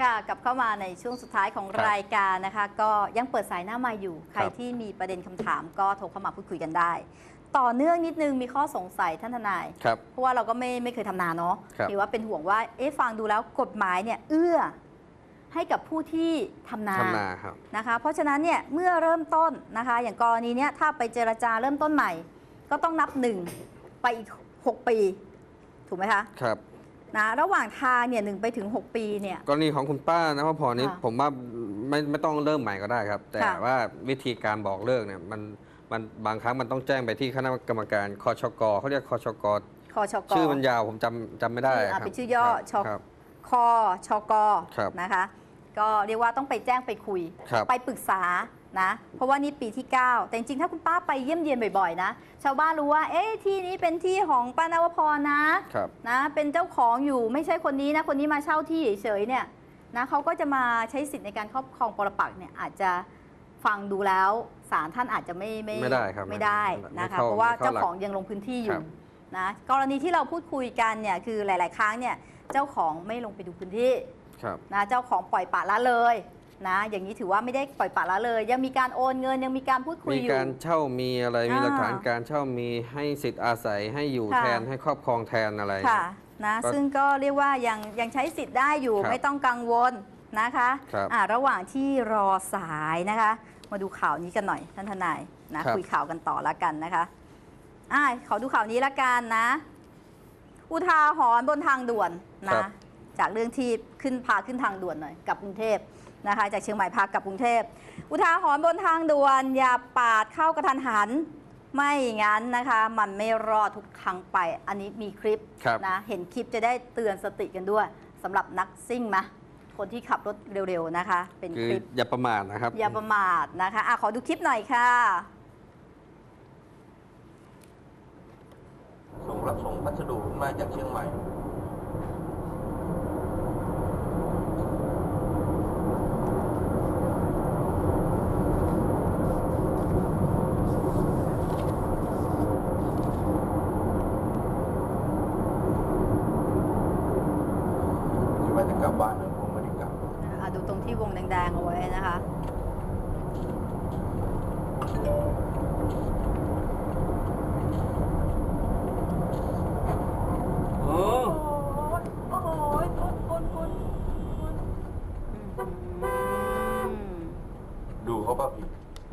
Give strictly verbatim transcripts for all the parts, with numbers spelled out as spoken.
ค่ะกลับเข้ามาในช่วงสุดท้ายของรายการนะคะก็ยังเปิดสายหน้าไมค์อยู่ใครที่มีประเด็นคำถามก็โทรเข้ามาพูดคุยกันได้ต่อเนื่องนิดนึงมีข้อสงสัยท่านทนายเพราะว่าเราก็ไม่ไม่เคยทำนาเนาะหรือว่าเป็นห่วงว่าเอ๊ะฟังดูแล้วกฎหมายเนี่ยเอื้อให้กับผู้ที่ทำนานะคะเพราะฉะนั้นเนี่ยเมื่อเริ่มต้นนะคะอย่างกรณีเนี้ยถ้าไปเจรจาเริ่มต้นใหม่ก็ต้องนับหนึ่งไปอีกหกปีถูกไหมคะครับนะระหว่างทางเนี่ยหนึ่งไปถึงหกปีเนี่ยกรณีของคุณป้านะพ่อพอนี้ผมว่าไม่ไม่ต้องเริ่มใหม่ก็ได้ครับแต่ว่าวิธีการบอกเลิกเนี่ยมันมันบางครั้งมันต้องแจ้งไปที่คณะกรรมการคชกเขาเรียกคชกคชกชื่อมันยาวผมจำจำไม่ได้ครับเป็นชื่อย่อชคชกนะคะก็เรียกว่าต้องไปแจ้งไปคุยไปปรึกษานะเพราะว่านี่ปีที่เก้าแต่จริงๆถ้าคุณป้าไปเยี่ยมเยียนบ่อยๆนะชาวบ้านรู้ว่าเอ๊ะที่นี้เป็นที่ของป้านวพรนะนะเป็นเจ้าของอยู่ไม่ใช่คนนี้นะคนนี้มาเช่าที่เฉยๆเนี่ยนะเขาก็จะมาใช้สิทธิ์ในการครอบครองปรปักษ์เนี่ยอาจจะฟังดูแล้วศาลท่านอาจจะไม่ไม่ไม่ได้ครับไม่ได้นะคะเพราะว่าเจ้าของยังลงพื้นที่อยู่นะกรณีที่เราพูดคุยกันเนี่ยคือหลายๆครั้งเนี่ยเจ้าของไม่ลงไปดูพื้นที่นะเจ้าของปล่อยปละละเลยนะอย่างนี้ถือว่าไม่ได้ปล่อยปละละเลยยังมีการโอนเงินยังมีการพูดคุยอยู่มีการเช่ามีอะไรมีหลักฐานการเช่ามีให้สิทธิ์อาศัยให้อยู่แทนให้ครอบครองแทนอะไรค่ะนะซึ่งก็เรียกว่ายังยังใช้สิทธิ์ได้อยู่ไม่ต้องกังวลนะคะอ่าระหว่างที่รอสายนะคะมาดูข่าวนี้กันหน่อยท่านทนายนะคุยข่าวกันต่อละกันนะคะอ่าขอดูข่าวนี้ละกันนะอุทาหรณ์บนทางด่วนนะจากเรื่องที่ขึ้นพาขึ้นทางด่วนหน่อยกับกรุงเทพนะคะจากเชียงใหม่พากับกรุงเทพอุทาหรณ์บนทางด่วนอย่าปาดเข้ากระทันหันไม่งั้นนะคะมันไม่รอดทุกครั้งไปอันนี้มีคลิปนะเห็นคลิปจะได้เตือนสติกันด้วยสำหรับนักซิ่งมะคนที่ขับรถเร็วๆนะคะเป็นคลิปอย่าประมาทนะครับอย่าประมาทนะคะอ่ะขอดูคลิปหน่อยค่ะส่งรับส่งพัสดุมาจากเชียงใหม่กลับบ้านนะผมไม่ได้กลับดูตรงที่วงแดงๆเอาไว้นะคะโอ้โอ้โหคุณคุณคุณดูเขาป่ะพี่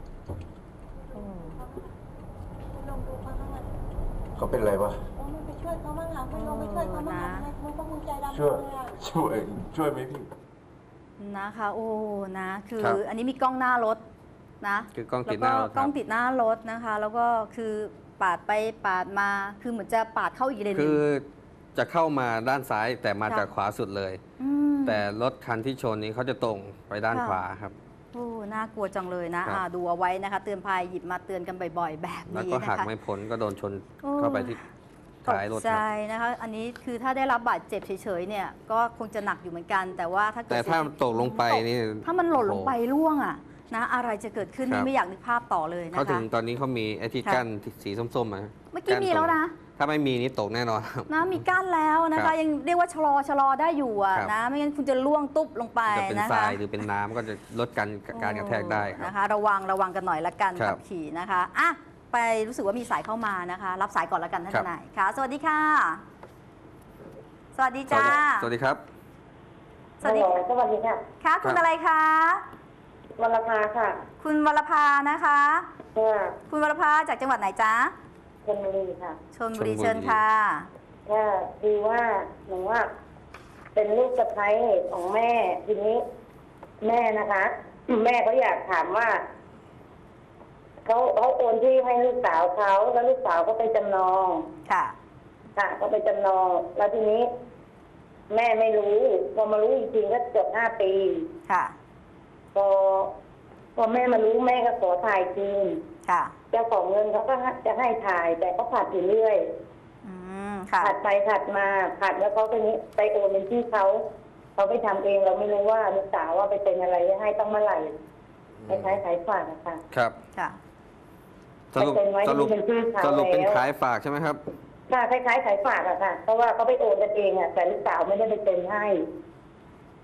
ลงดูเขาบ้างไหมเขาเป็นอะไรปะโอ้ไม่ไปช่วยเขาบ้างอ่ะไม่ลงไปช่วยเขาบ้างอ่ะมันก็มึงใจดำช่วยช่วยช่วยไหมพี่นะคะโอ้นะคืออันนี้มีกล้องหน้ารถนะคือกล้องติดหน้ารถกล้องติดหน้ารถนะคะแล้วก็คือปาดไปปาดมาคือเหมือนจะปาดเข้าอีกเลนคือจะเข้ามาด้านซ้ายแต่มาจากขวาสุดเลยแต่รถคันที่ชนนี้เขาจะตรงไปด้านขวาครับโอ้น่ากลัวจังเลยนะดูเอาไว้นะคะเตือนภัยหยิบมาเตือนกันบ่อยๆแบบนี้นะคะแล้วก็หักไม่พ้นก็โดนชนเข้าไปที่ท้ายรถใช่นะคะอันนี้คือถ้าได้รับบาดเจ็บเฉยๆเนี่ยก็คงจะหนักอยู่เหมือนกันแต่ว่าถ้าแต่ถ้าตกลงไปนี่ถ้ามันหล่นลงไปร่วงอ่ะนะอะไรจะเกิดขึ้นนี่ไม่อยากนึกภาพต่อเลยนะคะเขาถึงตอนนี้เขามีไอ้ที่กั้นสีส้มๆมาเมื่อกี้มีแล้วนะถ้าไม่มีนี่ตกแน่นอนนะมีกั้นแล้วนะคะยังเรียกว่าชะลอชะลอได้อยู่อ่ะนะไม่งั้นคุณจะล่วงตุ๊บลงไปนะคะจะเป็นทรายหรือเป็นน้ำก็จะลดการการกระแทกได้นะคะระวังระวังกันหน่อยละกันขับขี่นะคะอ่ะไปรู้สึกว่ามีสายเข้ามานะคะรับสายก่อนละกันท่านทนายค่ะสวัสดีค่ะสวัสดีจ้าสวัสดีครับสวัสดีสวัสดีค่ะค่ะคุณอะไรคะวรภาค่ะคุณวรภานะคะคุณวรภาจากจังหวัดไหนจ๊ะชลบุรีค่ะชลบุรีเชิญค่ะค่ะคือว่าหนูว่าเป็นลูกสะใภ้ของแม่ทีนี้แม่นะคะแม่เขาอยากถามว่าเขาเขาโอนที่ให้ลูกสาวเขาแล้วลูกสาวก็ไปจำนองค่ะค่ะเขาไปจำนองแล้วทีนี้แม่ไม่รู้พอมารู้จริงๆก็เกือบห้าปีค่ะพอพอแม่มารู้แม่ก็ขอถ่ายคืนค่ะเจ้าของเงินเขาก็จะให้ถ่ายแต่ก็ผัดอยู่เรื่อยผัดไปผัดมาผัดแล้วเขาไปนี้ไปโอนเป็นที่เขาเขาไปทำเองเราไม่รู้ว่าลูกสาวว่าไปเป็นอะไรให้ต้องเมื่อไหร่ไปขายขายฝากนะคะครับค่ะสรุปสรุปสรุปเป็นขายฝากใช่ไหมครับค่ะคล้ายๆขายฝากอะค่ะเพราะว่าเขาไปโอนกันเองอะแต่ลูกสาวไม่ได้ไปเป็นให้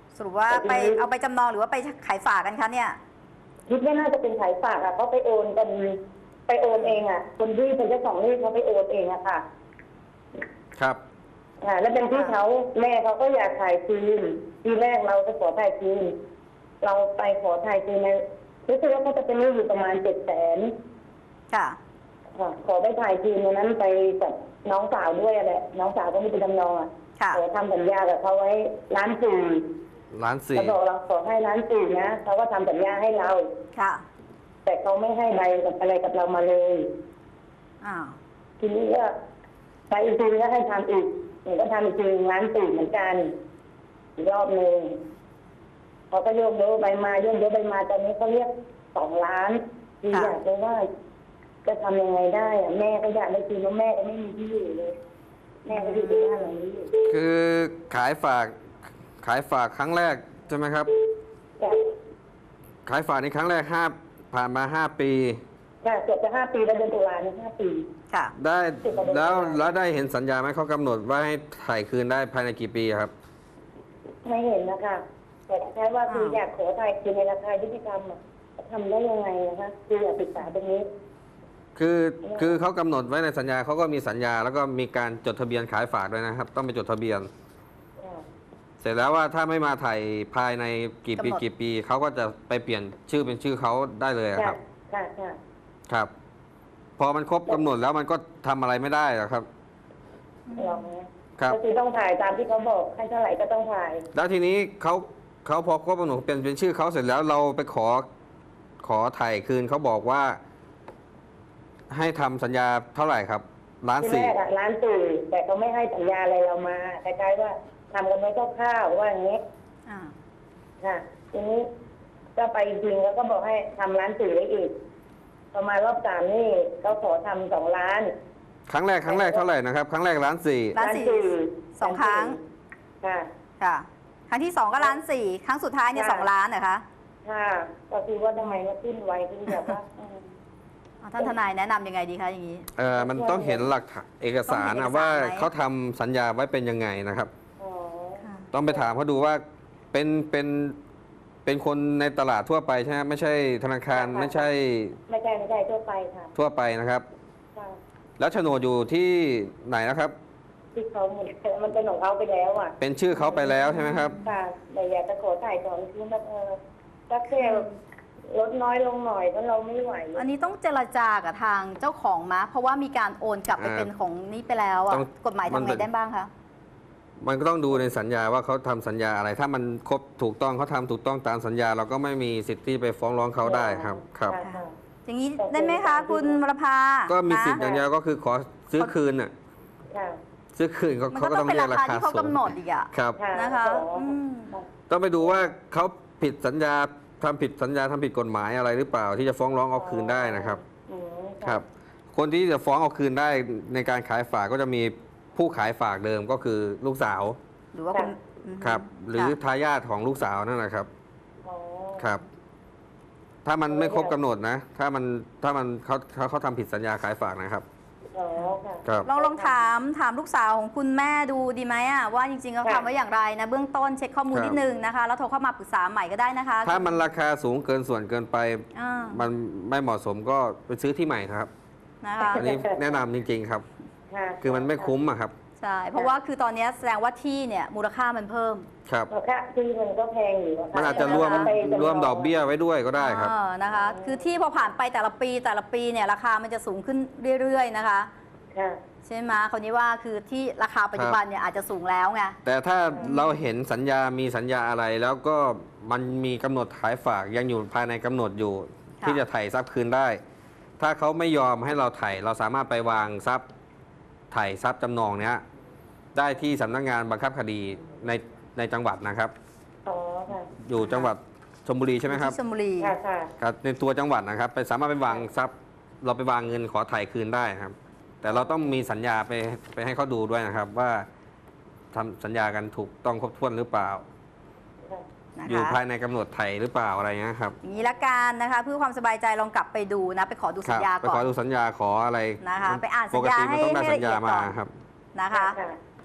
สรุปว่าไปเอาไปจำนองหรือว่าไปขายฝากกันคะเนี่ยคิดว่าน่าจะเป็นขายฝากอ่ะเขาไปโอนกันไปโอนเองอ่ะ คนที่เป็นเจ้าของหนี้เขาไปโอนเองอะค่ะครับอ่าแล้วเป็นที่เขาแม่เขาก็อยากถ่ายคืนทีแรกเราจะขอถ่ายคืนเราไปขอถ่ายคืนในรู้สึกว่าเขาจะเป็นหนี้อยู่ประมาณเจ็ดแสนค่ะขอไปถ่ายคืนในนั้นไปกับน้องสาวด้วยแหละน้องสาวก็ไม่เป็นจำนองอ่ะค่ะขอทำสัญญากับเขาไว้ล้านสี่ล้านสี่เขาบอกเราขอให้ล้านสี่นะเขาก็ทำสัญญาให้เราค่ะแต่เขาไม่ให้ใบกับอะไรกับเรามาเลยอ้าวทีนี้ก็ไปอีกทีก็ให้ทำอีกหนูก็ทำอีกทีล้านสี่เหมือนกันอีกรอบหนึ่งเขาก็โยกเยอะใบมาโยกเยอะใบมาตอนนี้เขาเรียกสองล้านทีอยากรู้ว่าจะทำยังไงได้อะแม่ก็อยากได้คืนแล้วแม่ก็ไม่มีที่อยู่เลย แม่ก็อยู่ที่บ้านหลังนี้อยู่คือขายฝากขายฝากครั้งแรกใช่ไหมครับจ้ะขายฝากในครั้งแรกห้าผ่านมาห้าปีจ้ะเกือบจะห้าปีแล้วเดือนตุลาเนี่ยห้าปีค่ะได้แล้วแล้วได้เห็นสัญญาไหมเขากำหนดว่าให้ถ่ายคืนได้ภายในกี่ปีครับไม่เห็นนะคะแต่แค่ว่าคืออยากขอถ่ายคืนในราคายุติธรรมอะทำได้ยังไงนะคะคืออยากศึกษาตรงนี้คือคือเขากำหนดไว้ในสัญญาเขาก็มีสัญญา แล้วก็มีการจดทะเบียนขายฝากด้วยนะครับ ต้องไปจดทะเบียนค่ะเสร็จแล้วว่าถ้าไม่มาถ่ายภายในกี่ปีกำหนดกี่ปีเขาก็จะไปเปลี่ยนชื่อเป็นชื่อเขาได้เลยอะคค่ะรับค่ะค่ะครับ พอมันครบกำหนดแล้วมันก็ทำอะไรไม่ได้หรอกครับลองนะครับ ก็คือต้องถ่ายตามที่เขาบอกให้เท่าไหร่ก็ต้องถ่ายแล้วทีนี้เขาเขาพอครบกำหนดเป็นเป็นชื่อเขาเสร็จแล้วเราไปขอขอถ่ายคืนเขาบอกว่า ให้ทำสัญญาเท่าไหร่ครับล้านที่สี่แรกอะร้านสื่อแต่เขาไม่ให้สัญญาอะไรเรามาคล้ายๆว่าทำกันไว้คร่าวๆว่าอย่างนี้อ่าค่ะทีนี้ก็ไปจริงแล้วก็บอกให้ทำร้านสื่อได้อีกประมาณรอบสามนี่เขาขอทำสองล้านครั้งแรกครั้งแรกเท่าไหร่นะครับ ครั้งแรกล้านสี่ล้านสี่สองครั้งค่ะค่ะ ครั้งที่สองก็ล้านสี่ครั้งสุดท้ายเนี่ยค่ะสองล้านเหรอคะค่ะก็คือว่าทำไมมาขึ้นไวขึ้นแบบว่าอืมอ่าท่านทนายแนะนำยังไงดีคะอย่างนี้เออมันต้องเห็นหลักฐานเอกสารต้องเห็นเอกสารนะว่าไหมเขาทำสัญญาไว้เป็นยังไงนะครับอ๋อค่ะต้องไปถามเขาดูว่าเป็นเป็นเป็นคนในตลาดทั่วไปใช่ไหมไม่ใช่ธนาคารไม่ใช่ไม่ใช่ไม่ใช่ทั่วไปค่ะทั่วไปนะครับค่ะแล้วโฉนดอยู่ที่ไหนนะครับที่เขาหมดมันเป็นของเขาไปแล้วอ่ะเป็นชื่อเขาไปแล้วใช่ไหมครับค่ะแต่อยากจะขอถ่ายของคือแบบเออสักแค่ลดน้อยลงหน่อยเพราะเราไม่ไหวอันนี้ต้องเจรจากับทางเจ้าของมะเพราะว่ามีการโอนกลับไปอ่าเป็นของนี้ไปแล้วอ่ะต้องกฎหมายมันทำเป็ไงนได้บ้างคะมันก็ต้องดูในสัญญาว่าเขาทำสัญญาอะไร ถ้ามันครบถูกต้องเขาทำถูกต้องตามสัญญา เราก็ไม่มีสิทธิ์ที่ไปฟ้องร้องเขาได้ครับครับะค่ะอย่างนี้ได้ไหมคะคุณวรภาก็มีสิทธิ์นะอย่างเดียวก็คือขอซื้อคืนน่ะค่ะซื้อคืนเขามันเขาก็ก็ต้ต้ออง งเป็นเรียรากราคาคาที่เขาสูงกำหนดอีกอ่ะครับค่ะนะคะขออืมต้องไปดูว่าเขาผิดสัญญาทำผิดสัญญาทำผิดกฎหมายอะไรหรือเปล่า ที่จะฟ้องร้องเอาคืนได้นะครับอืมะครับ คนที่จะฟ้องเอาคืนได้ในการขายฝากก็จะมีผู้ขายฝากเดิมก็คือลูกสาวหรือว่าคุณอืมครับ หรือค่ะทายาทของลูกสาวนั่นแหละครับอ๋อครับ ถ้ามันไม่ครบกำหนดนะ ถ้ามันถ้ามันเขาเขาเขาทำผิดสัญญาขายฝากนะครับอ๋อค่ะครับลองลองถามถามลูกสาวของคุณแม่ดูดีไหมอ่ะว่าจริงๆเขาค่ะทำไว้อย่างไรนะเบื้องต้นเช็คข้อมูลครับนิดนึงนะคะแล้วโทรเข้ามาปรึกษาใหม่ก็ได้นะคะถ้ามันราคาสูงเกินส่วนเกินไปอ่ามันไม่เหมาะสมก็ไปซื้อที่ใหม่ครับนะคะอันนี้แนะนำจริง ๆ ครับค่ะคือมันไม่คุ้มอะครับใช่เพราะว่าคือตอนนี้แสดงว่าที่เนี่ยมูลค่ามันเพิ่มครับราคาที่มันก็แพงอยู่ค่มันอาจจะรวมไปจำลงรวมดอกเบี้ยไว้ด้วยก็ได้ครับเออนะคะ คือที่พอผ่านไปแต่ละปีแต่ละปีเนี่ยราคามันจะสูงขึ้นเรื่อยๆนะคะค่ะใช่ไหมคนนี้ว่าคือที่ราคาปัจจุบันเนี่ยอาจจะสูงแล้วไงแต่ถ้าเราเห็นสัญญามีสัญญาอะไร แล้วก็มันมีกำหนดขายฝากยังอยู่ภายในกำหนดอยู่ค่ะที่จะไถ่ทรัพย์คืนได้ ถ้าเขาไม่ยอมให้เราไถ่เราสามารถไปวางทรัพย์ไถ่ทรัพย์จำนองเนี้ยได้ที่สำนักงานบังคับคดีในในจังหวัดนะครับอ๋อค่ะอยู่จังหวัดชลบุรีใช่ไหมครับที่ชลบุรีค่ะค่ะครับในตัวจังหวัดนะครับ ไปสามารถไปวางทรัพย์ เราไปวางเงินขอไถ่คืนได้ครับ แต่เราต้องมีสัญญาไปไปให้เขาดูด้วยนะครับ ว่าทำสัญญากันถูกต้องครบถ้วนหรือเปล่าค่ะนะอยู่คะภายในกำหนดไถ่หรือเปล่าอะไรเงี้ยครับอย่างนี้ละกันนะคะ เพื่อความสบายใจลองกลับไปดูนะ ไปขอดูคสัรัญญาไปก่ขออน ดูสัญญาขออะไรนะคะไปอ่านสัปญกญาติมันต้องได้ให้สัญญาให้ละเอียดก่มาอนครับนะคะค่ะ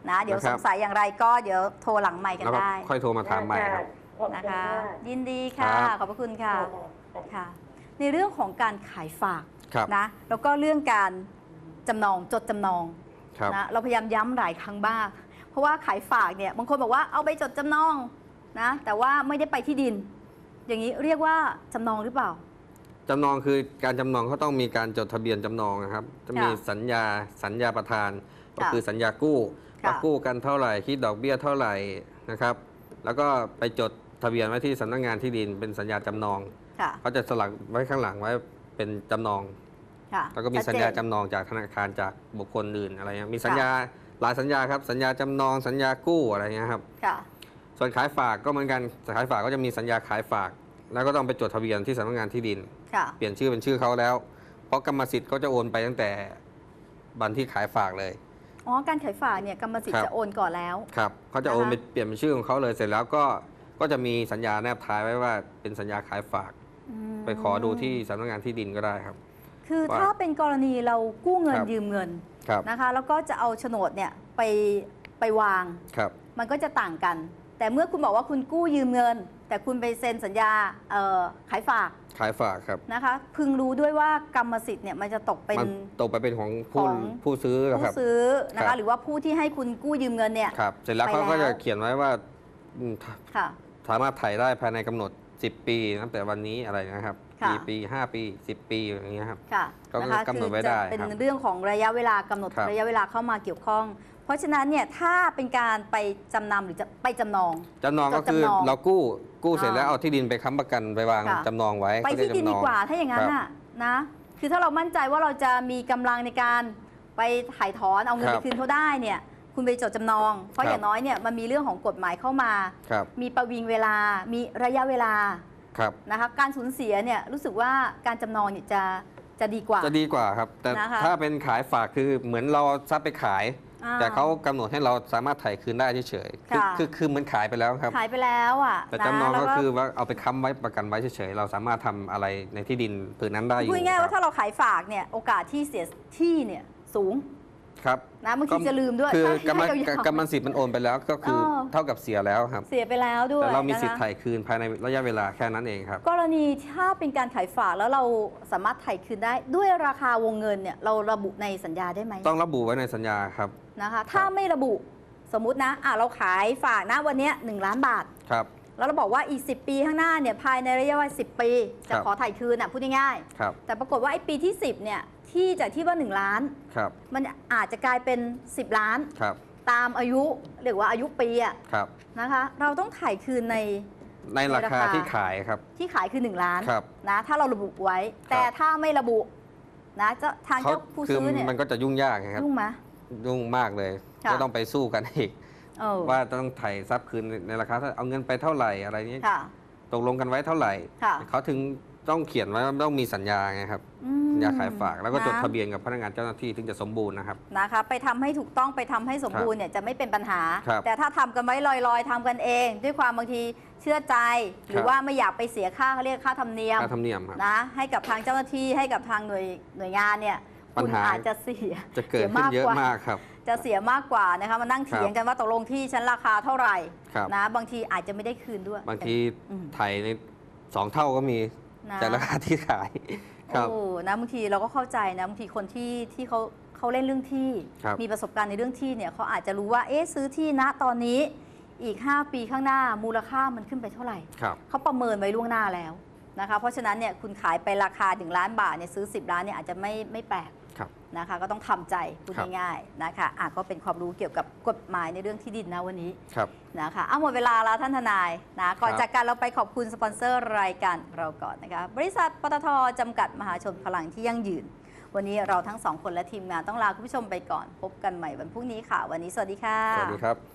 นะเดี๋ยวนะคสรับงสัยอย่างไรก็เดี๋ยวโทรหลังไมค์กันแล้วก็ได้ค่อยโทรมาถามใหม่ครับขอบณนะคะมากยินดีค่ะครับขอบพระคุณค่ะค่ะค่ะ ในเรื่องของการขายฝากครับนะแล้วก็เรื่องการจำนองจดจำนองครับนะเราพยายามย้ำหลายครั้งบ้างเพราะว่าขายฝากเนี่ยบางคนบอกว่าเอาไปจดจำนองนะแต่ว่าไม่ได้ไปที่ดิน อย่างนี้เรียกว่าจำนองหรือเปล่าจำนองคือการจำนองเขาต้องมีการจดทะเบียนจำนองนะครับ จะมีค่ะสัญญาสัญญาประทาน ก็ค่ะคือสัญญากู้ค่ะว่ากู้กันเท่าไหร่คิดดอกเบี้ยเท่าไหร่นะครับ แล้วก็ไปจดทะเบียนไว้ที่สำนักงานที่ดิน เป็นสัญญาจำนองค่ะเขาจะสลักไว้ข้างหลังไว้เป็นจำนองค่ะแล้วก็มีชัดสัญเจนญาจำนองจากธนาคารจากบุคคลอื่นอะไรเงี้ยมีสัญญาหลายสัญญาครับสัญญาจำนองสัญญากู้อะไรเงี้ยครับค่ะส่วนขายฝากก็เหมือนกันขายฝากก็จะมีสัญญาขายฝาก แล้วก็ต้องไปจดทะเบียนที่สำนักงานที่ดินค่ะเปลี่ยนชื่อเป็นชื่อเขาแล้ว เพราะกรรมสิทธิ์เขาจะโอนไปตั้งแต่วันที่ขายฝากเลยอ๋อการขายฝากเนี่ยกรรมสิทครัธิ์บจะโอนก่อนแล้วครับเขาจะโอนนะคะไปเปลี่ยนเป็นชื่อของเขาเลยเสร็จแล้วก็ก็จะมีสัญญาแนบท้ายไว้ว่าเป็นสัญญาขายฝากอืมไปขอดูที่สำนักงานที่ดินก็ได้ครับคือว่าถ้าเป็นกรณีเรากู้เงินครับยืมเงินครับนะคะ แล้วก็จะเอาโฉนดเนี่ยไปไปวางครับมันก็จะต่างกัน แต่เมื่อคุณบอกว่าคุณกู้ยืมเงิน แต่คุณไปเซ็นสัญญาเอ่อขายฝากขายฝากครับนะคะ พึงรู้ด้วยว่ากรรมสิทธิ์เนี่ยมันจะตกเป็นมันตกไปเป็นของผู้ของผู้ซื้อคผู้รับซื้อนะครัคะบหรือว่าผู้ที่ให้คุณกู้ยืมเงินเนี่ยครับเสร็จแล้วไปเขาก็แล้จะวเขียนไว้ว่าอืมค่ะสามารถถ่ายได้ภายในกำหนด สิบ ปีนับแต่วันนี้อะไรนะครับค่ะกี่ปี ห้า ปี สิบ ปีอย่างเงี้ยครับค่ะก็นะคะกำหนดไว้คือได้จะเป็นครับเรื่องของระยะเวลากำหนดครับระยะเวลาเข้ามาเกี่ยวข้อง เพราะฉะนั้นเนี่ยถ้าเป็นการไปจำนำหรือจะไปจำนองจำนองก็คือจดจำนองเรากู้กู้เสร็จอ่าแล้วเอาที่ดินไปค้ำประกันไปวางค่ะจำนองไว้ไปเขาเรีที่ยกดินจำนดีองกว่าถ้าอย่างนั้นครับน่ะนะ คือถ้าเรามั่นใจว่าเราจะมีกำลังในการไปถ่ายถอนเอาเงินคไปรับคืนเขาได้เนี่ยคุณไปจดจำนอง เพราะครับอย่างน้อยเนี่ยมันมีเรื่องของกฎหมายเข้ามาครับมีประวิงเวลา มีระยะเวลาครับนะคะการสูญเสียเนี่ยรู้สึกว่าการจำนองเนี่ยจะจะดีกว่าจะดีกว่าครับ แต่นะคะถ้าเป็นขายฝากคือเหมือนเราเอาทรัพย์ไปขายอ่าแต่เขากำหนดให้เราสามารถถ่ายคืนได้เฉยๆคือค่ะคือคือเหมือนขายไปแล้วครับขายไปแล้วอ่ะแต่นะจำนองแล้วก็คือว่าเอาไปค้ำไว้ประกันไว้เฉยๆเราสามารถทำอะไรในที่ดินผืนนั้นได้อยู่พูดง่ายๆคว่ารับถ้าเราขายฝากเนี่ยโอกาสที่เสียที่เนี่ยสูงครับนะบางทีจะลืมด้วยคือถ้ากรรมให้ยาวๆกรรมสิทธิ์มันโอนไปแล้วก็คือเออเท่ากับเสียแล้วครับเสียไปแล้วด้วยแต่เรามีนะคะสิทธิ์ถ่ายคืนภายในระยะเวลาแค่นั้นเองครับกรณีถ้าเป็นการขายฝากแล้วเราสามารถถ่ายคืนได้ด้วยราคาวงเงินเนี่ยเราระบุในสัญญาได้ไหมต้องระบุไว้ในสัญญาครับนะคะ ถ้าไม่ระบุสมมุตินะอ่ะเราขายฝากนะวันเนี้ยหนึ่งล้านบาทครับแล้วเราบอกว่าอีก สิบ ปีข้างหน้าเนี่ยภายในระยะเวลาสิบ ปี จะครับขอถ่ายคืนอ่ะพูดง่ายครับๆแต่ปรากฏว่าไอ้ปีที่ สิบเนี่ยที่จากที่ว่าหนึ่งล้านครับมันอาจจะกลายเป็น สิบ ล้านครับตามอายุหรือว่าอายุปีอะครับนะคะ เราต้องถ่ายคืนในในราในราคาคาที่ขายครับที่ขายคือ หนึ่ง ล้านครับนะถ้าเราระบุไว้ แต่ถ้าไม่ระบุนะเจ้าทางเขาเจ้าผู้คือซื้อเนี่ยมันก็จะยุ่งยากนะครับยุ่งไหมยุ่งมากเลยค่ะก็ต้องไปสู้กันอีกเออว่าต้องถ่ายทรัพย์คืนในราคาเท่าเอาเงินไปเท่าไหร่อะไรนี้ค่ะตกลงกันไว้เท่าไหร่ค่ะเขาถึงต้องเขียนไว้ว่าต้องมีสัญญาไงครับอืมสัญญาขายฝากแล้วก็จดนทะเบียนกับพนักงานเจ้าหน้าที่ถึงจะสมบูรณ์นะครับนะคะไปทำให้ถูกต้องไปทำให้สมบูรณ์เนี่ยจะไม่เป็นปัญหาครับแต่ถ้าทำกันไว้ลอยๆทำกันเอง ด้วยความบางทีเชื่อใจ หรือครับว่าไม่อยากไปเสียค่าเขาเรียกค่าธรรมเนียมค่าธรรมเนียมครับนะให้กับทางเจ้าหน้าที่ให้กับทางหน่วยหน่วยงานเนี่ยปัญคุณหาอาจจะเสียจะเกิดสียขึ้นเยอะกว่มากครับจะเสียมากกว่านะคะมานั่งเถียงกันว่าตกลงที่ฉันราคาเท่าไหร่ครับนะบางทีอาจจะไม่ได้คืนด้วยบางทีอืมถ่ายในสองเท่าก็มีนะจากราคาที่ขายครับโอ้นะบางทีเราก็เข้าใจนะบางทีคนที่ที่เขาเขาเล่นเรื่องที่ครับมีประสบการณ์ในเรื่องที่เนี่ยเขาอาจจะรู้ว่าเอ๊ะซื้อที่ณตอนนี้อีก ห้า ปีข้างหน้ามูลค่ามันขึ้นไปเท่าไหร่ครับเขาประเมินไว้ล่วงหน้าแล้วนะคะเพราะฉะนั้นเนี่ยคุณขายไปราคาถึงล้านบาทเนี่ยซื้อ สิบ ล้านเนี่ยอาจจะไม่ไม่แปลกครับนะคะก็ต้องทำใจพูดครับง่ายๆนะคะอ่ะก็เป็นความรู้เกี่ยวกับกฎหมายในเรื่องที่ดินนะวันนี้ครับนะคะเอาหมดเวลาแล้วท่านทนายนะก่อนครับจากการเราไปขอบคุณสปอนเซอร์รายการเราก่อนนะคะบริษัทปตทจำกัดมหาชนพลังที่ยั่งยืน วันนี้เราทั้งสองคนและทีมงานต้องลาคุณผู้ชมไปก่อน พบกันใหม่วันพรุ่งนี้ค่ะ วันนี้สวัสดีค่ะสวัสดีครับ